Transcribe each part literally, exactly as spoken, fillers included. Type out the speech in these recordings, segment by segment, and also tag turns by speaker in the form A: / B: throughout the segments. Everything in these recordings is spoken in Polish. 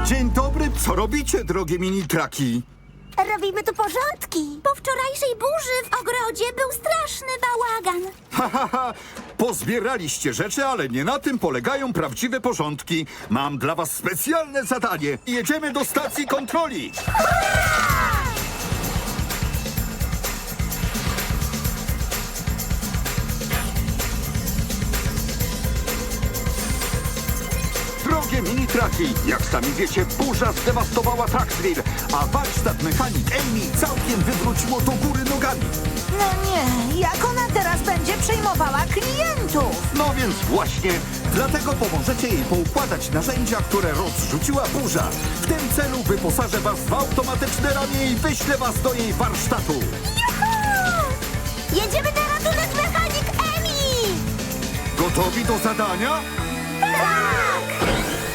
A: Dzień dobry, co robicie, drogie mini-traki?
B: Robimy tu porządki. Po wczorajszej burzy w ogrodzie był straszny bałagan.
A: Ha, ha, ha! Pozbieraliście rzeczy, ale nie na tym polegają prawdziwe porządki. Mam dla was specjalne zadanie. Jedziemy do stacji kontroli. Drogie mini-traki, jak sami wiecie, burza zdewastowała Tracksville, a warsztat mechanik Amy całkiem wywróciło do góry nogami.
C: No nie, jak ona teraz będzie przejmowała klientów?
A: No więc właśnie, dlatego pomożecie jej poukładać narzędzia, które rozrzuciła burza. W tym celu wyposażę was w automatyczne ramię i wyślę was do jej warsztatu.
B: Juhu! Jedziemy na ratunek mechanik Emi!
A: Gotowi do zadania?
B: Tak!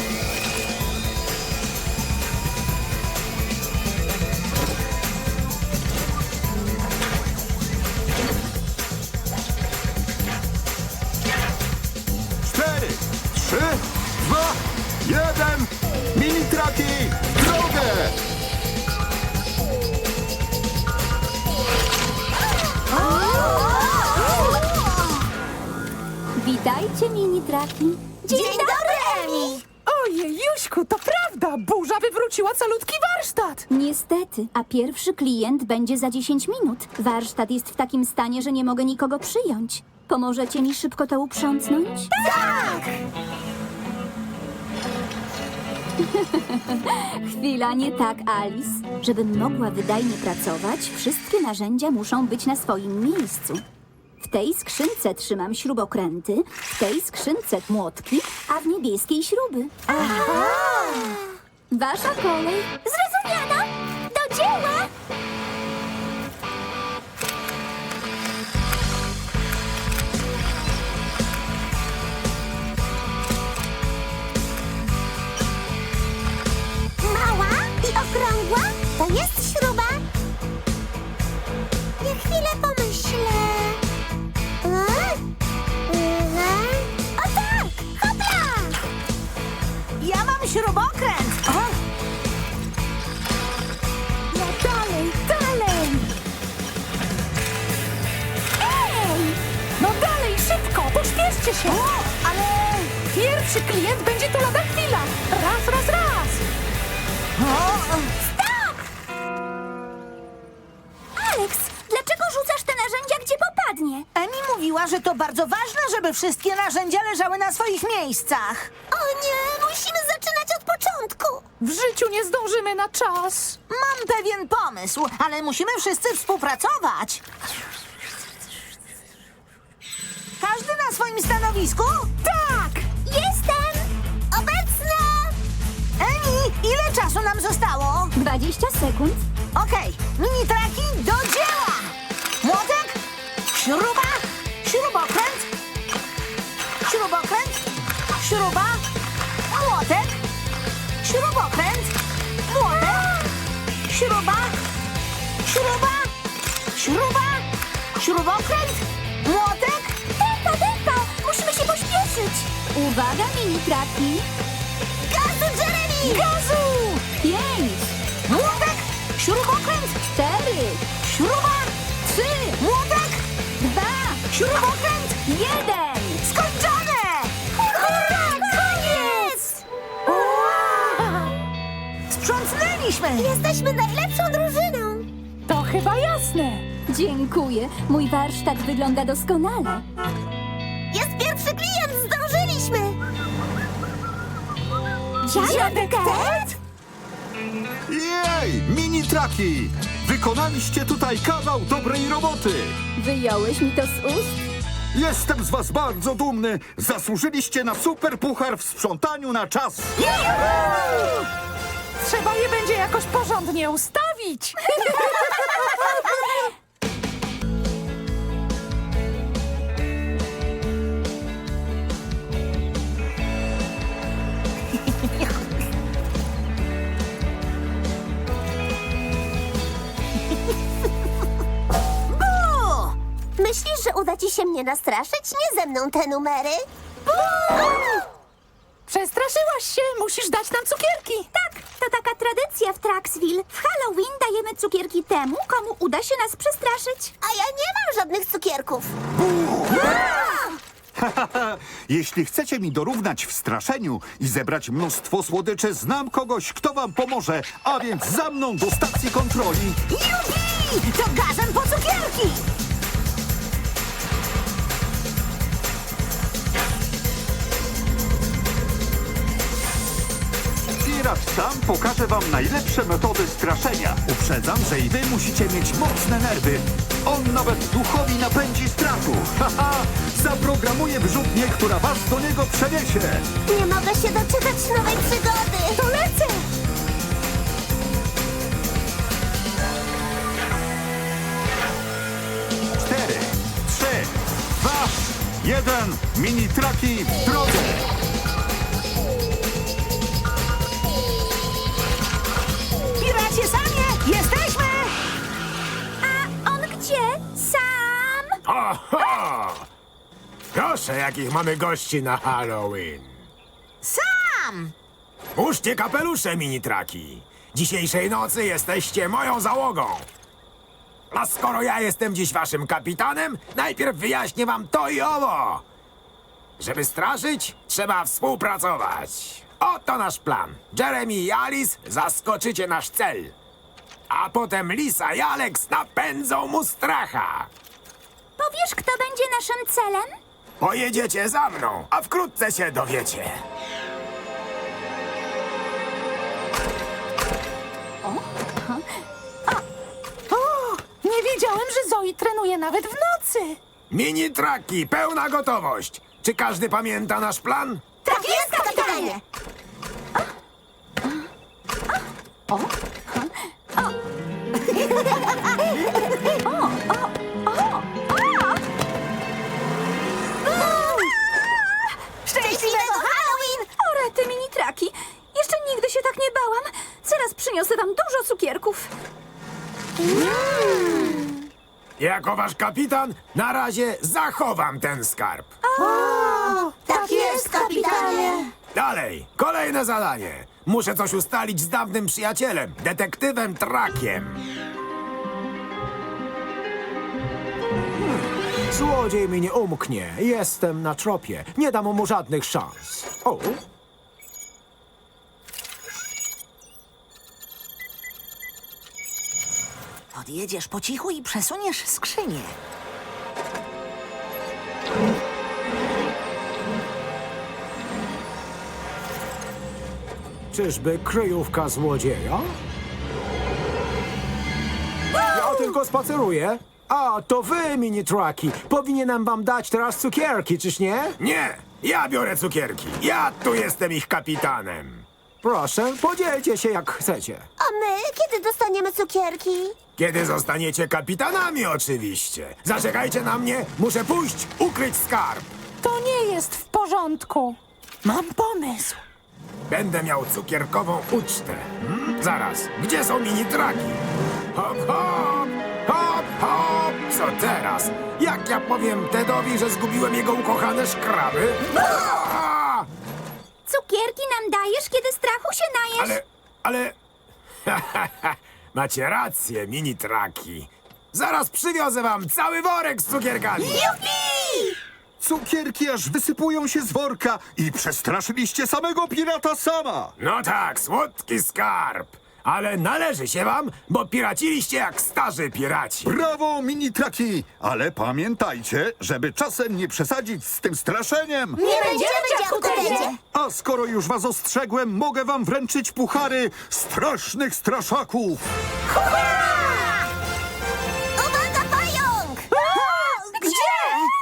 A: Cztery, trzy, dwa, jeden. Mini-traki, w drogę!
B: Witajcie, mini-traki. Dzień, dobry, Emi!
C: Ojej, Juśku, to prawda! Burza wywróciła calutki warsztat!
D: Niestety, a pierwszy klient będzie za dziesięć minut. Warsztat jest w takim stanie, że nie mogę nikogo przyjąć. Pomożecie mi szybko to uprzątnąć?
B: Tak!
D: Chwila, nie tak, Alice. Żebym mogła wydajnie pracować, wszystkie narzędzia muszą być na swoim miejscu. W tej skrzynce trzymam śrubokręty, w tej skrzynce młotki, a w niebieskiej śruby. Wasza kolej.
B: Zrozumiano? Do dzieła! Mała i okrągła to jest śruba. Ja chwilę pomyślę. E? E? O tak! Hopla!
C: Ja mam śrubokręt! O! No dalej, dalej!
B: Ej!
C: No dalej, szybko, pośpieszcie się! O, ale pierwszy klient będzie tu lada chwila! Raz, raz, raz! O,
B: Stop! Alex, dlaczego rzucasz te narzędzia, gdzie popadnie?
C: Emi mówiła, że to bardzo ważne, żeby wszystkie narzędzia leżały na swoich miejscach.
B: O nie, musimy zaczynać od początku.
C: W życiu nie zdążymy na czas. Mam pewien pomysł, ale musimy wszyscy współpracować. Każdy na swoim stanowisku? Tak!
B: Jestem obecna!
C: Emi, ile czasu nam zostało?
D: dwadzieścia sekund.
C: Okej, mini-traki do dzieła! Młotek, śruba, śrubokręt, śrubokręt, śruba, młotek, śrubokręt, młotek, śruba, śruba, śruba, śrubokręt, młotek.
B: Tempo, tempo! Musimy się pośpieszyć!
D: Uwaga, mini-traki.
B: Gazu, Jeremy!
C: Gazu!
D: Pięć,
C: Młotek, śrubokręt,
D: cztery,
C: śruba,
D: trzy,
C: młotek,
D: dwa,
C: śrubokręt.
D: jeden.
C: Skończone!
B: Hurra, koniec!
C: Sprzątnęliśmy!
B: Jesteśmy najlepszą drużyną!
C: To chyba jasne.
D: Dziękuję. Mój warsztat wygląda doskonale.
B: Jest pierwszy klient, zdążyliśmy!
C: Dziadek Ted?
A: Jej, mini-traki! Wykonaliście tutaj kawał dobrej roboty!
D: Wyjąłeś mi to z ust?
A: Jestem z was bardzo dumny! Zasłużyliście na super puchar w sprzątaniu na czas!
C: Trzeba je będzie jakoś porządnie ustawić.
B: Myślisz, że uda ci się mnie nastraszyć? Nie ze mną te numery. Buu!
C: Przestraszyłaś się, musisz dać nam cukierki.
B: Tak, to taka tradycja w Traxville. W Halloween dajemy cukierki temu, komu uda się nas przestraszyć. A ja nie mam żadnych cukierków.
A: Jeśli chcecie mi dorównać w straszeniu i zebrać mnóstwo słodyczy, znam kogoś, kto wam pomoże. A więc za mną do stacji kontroli.
B: Jupi! To gazem po cukierki!
A: Pirat sam pokaże wam najlepsze metody straszenia. Uprzedzam, że i wy musicie mieć mocne nerwy. On nawet duchowi napędzi strachu. Haha! Zaprogramuje wyrzutnię, która was do niego przeniesie.
B: Nie mogę się doczekać nowej przygody. To lecę!
A: Cztery, trzy, dwa, jeden. Mini traki w drodze.
C: Piracie samie, jesteśmy!
B: A on gdzie? Sam?
E: Oho! Proszę, jakich mamy gości na Halloween.
B: Sam!
E: Puszczcie kapelusze, mini-traki. Dzisiejszej nocy jesteście moją załogą. A skoro ja jestem dziś waszym kapitanem, najpierw wyjaśnię wam to i owo. Żeby straszyć, trzeba współpracować. Oto nasz plan. Jeremy i Alice zaskoczycie nasz cel. A potem Lisa i Alex napędzą mu stracha.
B: Powiesz, kto będzie naszym celem?
E: Pojedziecie za mną, a wkrótce się dowiecie.
C: O, nie wiedziałem, że Zoe trenuje nawet w nocy.
E: Mini-traki, pełna gotowość. Czy każdy pamięta nasz plan?
B: Tak jest, kapitanie! Szczęśliwego Halloween!
D: O, rety, mini-traki. Jeszcze nigdy się tak nie bałam. Zaraz przyniosę wam dużo cukierków.
E: Jako wasz kapitan, na razie zachowam ten skarb.
B: Tak jest, kapitanie!
E: Dalej, kolejne zadanie. Muszę coś ustalić z dawnym przyjacielem, detektywem Trakiem.
F: Złodziej mi nie umknie. Jestem na tropie. Nie dam mu żadnych szans. O,
G: Podjedziesz po cichu i przesuniesz skrzynię.
F: czyżby kryjówka złodzieja? Ja tylko spaceruję. A, to wy, mini-traki. Powinienem wam dać teraz cukierki, czyż nie?
E: Nie, ja biorę cukierki. Ja tu jestem ich kapitanem.
F: Proszę, podzielcie się jak chcecie.
B: A my kiedy dostaniemy cukierki?
E: Kiedy zostaniecie kapitanami, oczywiście. Zaczekajcie na mnie, muszę pójść, ukryć skarb.
C: To nie jest w porządku. Mam pomysł.
E: Będę miał cukierkową ucztę. Hmm? Zaraz, gdzie są mini-traki? Hop, hop, hop, hop. Co teraz? Jak ja powiem Tedowi, że zgubiłem jego ukochane szkraby? Aaa!
B: Cukierki nam dajesz, kiedy strachu się najesz?
E: Ale, ale... Macie rację, mini-traki. Zaraz przywiozę wam cały worek z cukierkami.
B: Jupi!
A: Cukierki aż wysypują się z worka i przestraszyliście samego pirata sama.
E: No tak, słodki skarb. Ale należy się wam, bo piraciliście jak starzy piraci.
A: Brawo, mini-traki! Ale pamiętajcie, żeby czasem nie przesadzić z tym straszeniem.
B: Nie będziemy, dziadku Tedzie!
A: A skoro już was ostrzegłem, mogę wam wręczyć puchary strasznych straszaków.
B: Uwaga, pająk! Gdzie?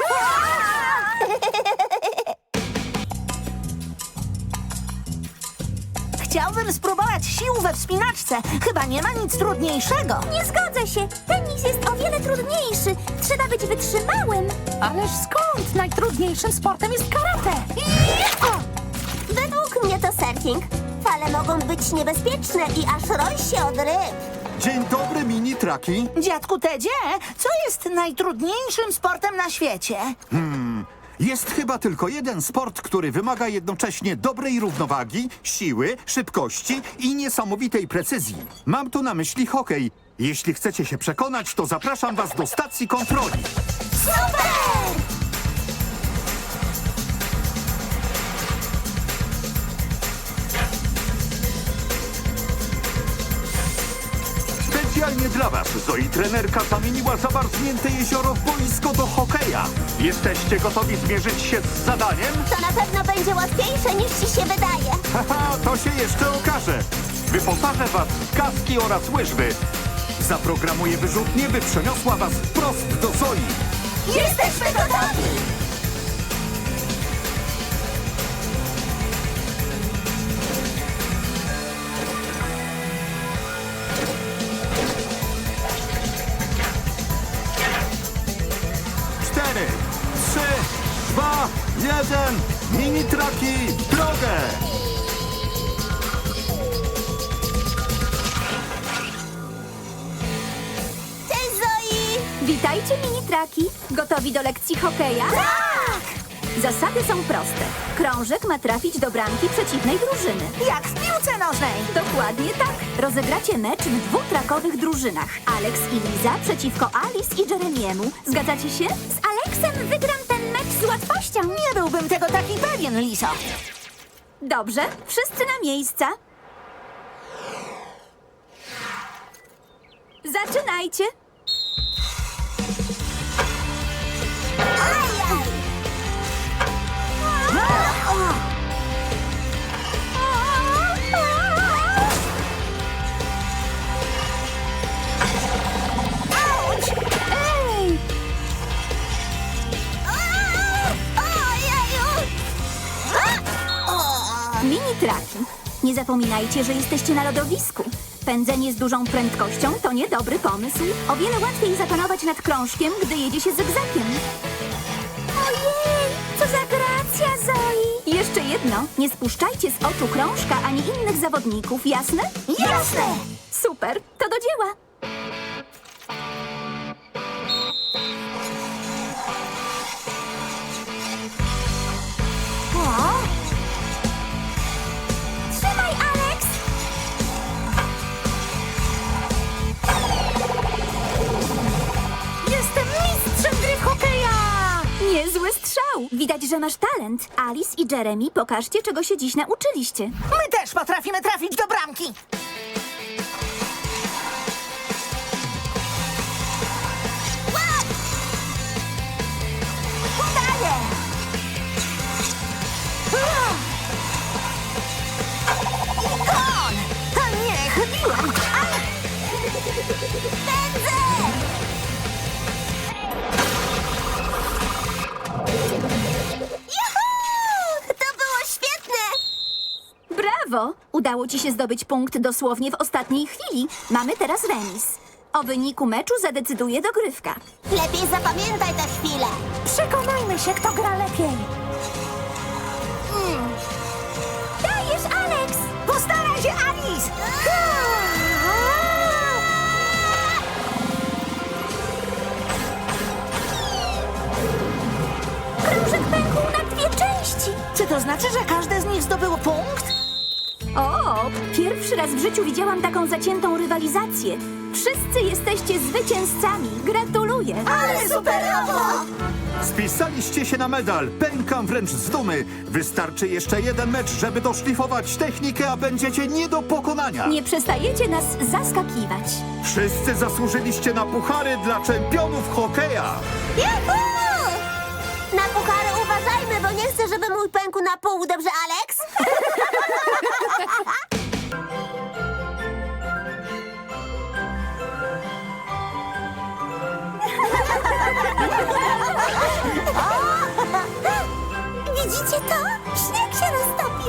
G: Chciałbym spróbować sił we wspinaczce. Chyba nie ma nic trudniejszego.
B: Nie zgodzę się. Tenis jest o wiele trudniejszy. Trzeba być wytrzymałym.
C: Ależ skąd? Najtrudniejszym sportem jest karate.
B: Według mnie to surfing. Fale mogą być niebezpieczne i aż roi się od ryb.
A: Dzień dobry, mini-traki.
G: Dziadku Tedzie, co jest najtrudniejszym sportem na świecie?
A: Jest chyba tylko jeden sport, który wymaga jednocześnie dobrej równowagi, siły, szybkości i niesamowitej precyzji. Mam tu na myśli hokej. Jeśli chcecie się przekonać, to zapraszam was do stacji kontroli.
B: Super!
A: Specjalnie dla was Zoe trenerka zamieniła zamarznięte jezioro w boisko do hokeja. Jesteście gotowi zmierzyć się z zadaniem?
B: To na pewno będzie łatwiejsze niż ci się wydaje.
A: Haha, to się jeszcze okaże. Wyposażę was w kaski oraz łyżwy. Zaprogramuję wyrzutnię, by przeniosła was wprost do Zoi.
B: Jesteśmy gotowi!
A: Cztery, trzy, dwa, jeden. Mini-traki w drogę!
B: Cześć, Zoi!
D: Witajcie, mini-traki. Gotowi do lekcji hokeja?
B: Tak!
D: Zasady są proste. Krążek ma trafić do bramki przeciwnej drużyny.
G: Jak w piłce nożnej.
D: Dokładnie tak. Rozegracie mecz w dwutrakowych drużynach. Alex i Liza przeciwko Alice i Jeremiemu. Zgadzacie się?
B: Z Aleksem wygram ten mecz z łatwością.
G: Nie byłbym tego taki pewien, Liso.
D: Dobrze, wszyscy na miejsca. Zaczynajcie.
B: Ajaj! Auć!
D: Ej!
B: Ojeju!
D: Mini-traki. Nie zapominajcie, że jesteście na lodowisku. Pędzenie z dużą prędkością to niedobry pomysł. O wiele łatwiej zapanować nad krążkiem, gdy jedzie się zygzakiem.
B: Ojej, co za gracja, Zoi!
D: Jeszcze jedno. Nie spuszczajcie z oczu krążka ani innych zawodników, jasne?
B: Jasne!
D: Super, to do dzieła.
B: Trzymaj, Alex!
C: Jestem mistrzem gry w hokeja!
D: Niezły strzał. Widać, że masz talent. Alice i Jeremy, pokażcie, czego się dziś nauczyliście.
G: My też potrafimy trafić do bramki.
B: Udaję!
G: Kon! A nie, chybiłem.
B: Pędzę! Juhu! To było świetne!
D: Brawo! Udało ci się zdobyć punkt dosłownie w ostatniej chwili. Mamy teraz remis. O wyniku meczu zadecyduje dogrywka.
B: Lepiej zapamiętaj tę chwilę.
C: Przekonajmy się, kto gra lepiej.
B: Dajesz, Alex!
G: Postaraj się, Alice!
B: Krążek pękł na dwie części.
G: Czy to znaczy, że każde z nich zdobyło punkt?
D: O, pierwszy raz w życiu widziałam taką zaciętą rywalizację. Wszyscy jesteście zwycięzcami. Gratuluję.
B: Ale superowo!
A: Spisaliście się na medal. Pękam wręcz z dumy. Wystarczy jeszcze jeden mecz, żeby doszlifować technikę, a będziecie nie do pokonania.
D: Nie przestajecie nas zaskakiwać.
A: Wszyscy zasłużyliście na puchary dla czempionów hokeja.
B: Juhu! Na puchary uważajmy, bo nie chcę, żeby mój pękł na pół, dobrze, Alex? Widzicie to? Śnieg się roztopił.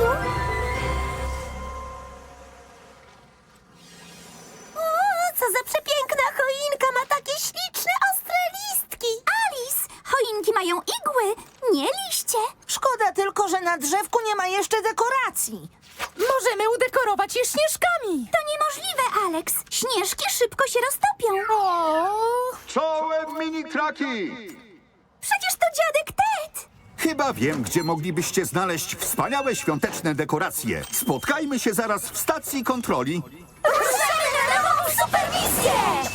B: O, co za przepiękna choinka, ma takie śliczne, ostre listki.
D: Alice, choinki mają igły, nie liście.
G: Szkoda tylko, że na drzewku nie ma jeszcze dekoracji.
C: Możemy udekorować je śnieżkami.
D: To niemożliwe, Alex. Śnieżki szybko się roztopią.
C: O,
A: Czołem mini-traki!
B: Przecież to dziadek Ted.
A: Chyba wiem, gdzie moglibyście znaleźć wspaniałe świąteczne dekoracje. Spotkajmy się zaraz w stacji kontroli.
B: Ruszamy na nową superwizję!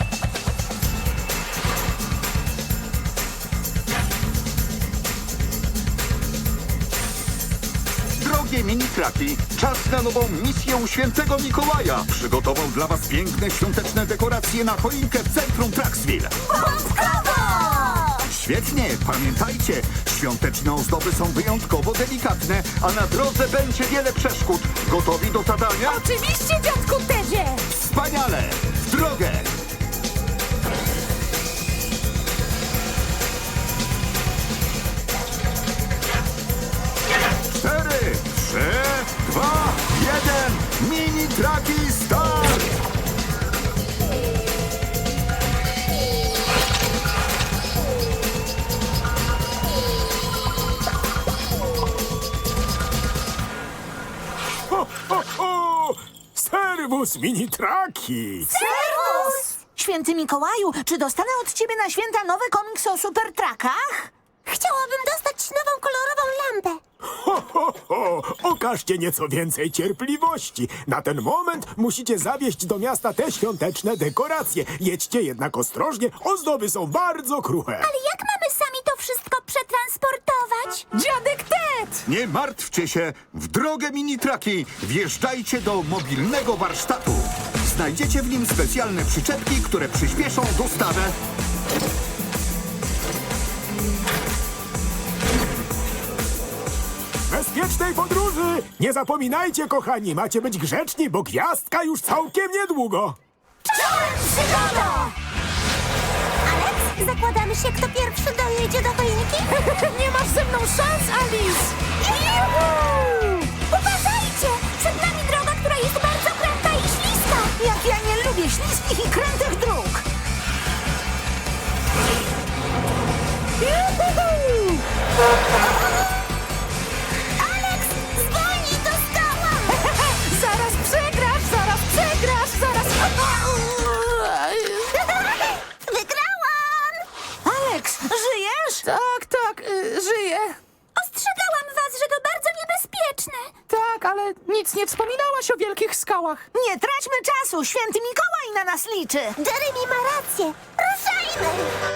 A: Drogie mini-traki, czas na nową misję u świętego Mikołaja. Przygotował dla was piękne świąteczne dekoracje na choinkę w centrum Traxville.
B: Bąbkowo!
A: Świetnie, pamiętajcie, świąteczne ozdoby są wyjątkowo delikatne, a na drodze będzie wiele przeszkód. Gotowi do zadania?
C: Oczywiście, dziadku Tedzie!
A: Wspaniale! W drogę! Cztery, trzy, dwa, jeden. Mini-traki start!
E: Ho, ho, ho! Serwus, mini-traki!
G: Serwus! Święty Mikołaju, czy dostanę od ciebie na święta nowy komiks o supertrakach?
B: Chciałabym dostać nową kolorową lampę.
E: Ho, ho, ho! Okażcie nieco więcej cierpliwości. Na ten moment musicie zawieźć do miasta te świąteczne dekoracje. Jedźcie jednak ostrożnie, ozdoby są bardzo kruche.
B: Ale jak mamy sami to wszystko przetransportować?
C: Dziadek Ted!
A: Nie martwcie się, w drogę mini-traki wjeżdżajcie do mobilnego warsztatu. Znajdziecie w nim specjalne przyczepki, które przyspieszą dostawę.
E: Bezpiecznej podróży! Nie zapominajcie, kochani, macie być grzeczni, bo gwiazdka już całkiem niedługo.
B: Czołem przygodą! Alex, zakładamy się, kto pierwszy dojedzie do choinki?
C: Nie masz ze mną szans, Alice!
B: Juhu! Uważajcie! Przed nami droga, która jest bardzo kręta i śliska.
G: Jak ja nie lubię śliskich i krętych dróg!
B: Alex, zwolnij, to skała!
C: Zaraz przegrasz, zaraz przegrasz, zaraz...
B: Wygrałam!
G: Alex, żyjesz?
C: Tak, tak, y, żyję.
B: Ostrzegałam was, że to bardzo niebezpieczne.
C: Tak, ale nic nie wspominałaś o wielkich skałach.
G: Nie traćmy czasu, święty Mikołaj na nas liczy!
B: Jeremy ma rację. Ruszajmy!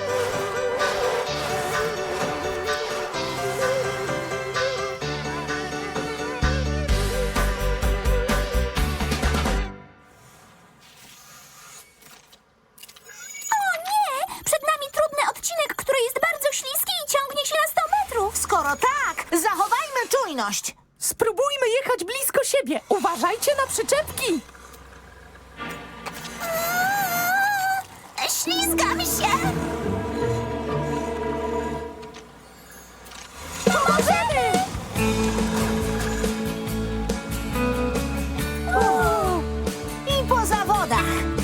B: O nie! Przed nami trudny odcinek, który jest bardzo śliski i ciągnie się na sto metrów.
G: Skoro tak, zachowajmy czujność!
C: Spróbujmy jechać blisko siebie. Uważajcie na przyczepki.
B: Ślizgam się! Pomożemy!
G: Uuu, I po zawodach!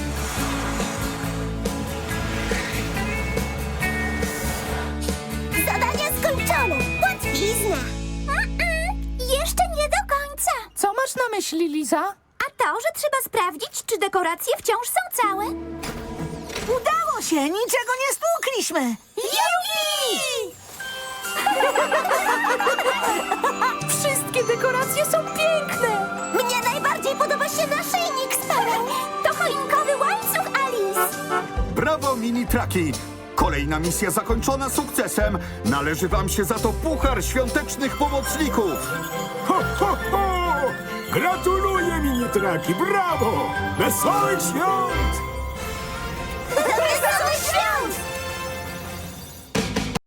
B: Zadanie skończone! Łatwizna! Mm-mm, jeszcze nie do końca.
C: Co masz na myśli, Liza?
B: A to, że trzeba sprawdzić, czy dekoracje wciąż są całe.
G: Udało się, niczego nie stłukliśmy!
B: Jupi!
C: Wszystkie dekoracje są piękne.
B: Mnie najbardziej podoba się naszyjnik z pereł. To choinkowy łańcuch, Alice.
A: Brawo, mini-traki! Kolejna misja zakończona sukcesem. Należy wam się za to puchar świątecznych pomocników.
E: Ho, ho, ho! Gratuluję, mini-traki, brawo! Wesołych świąt!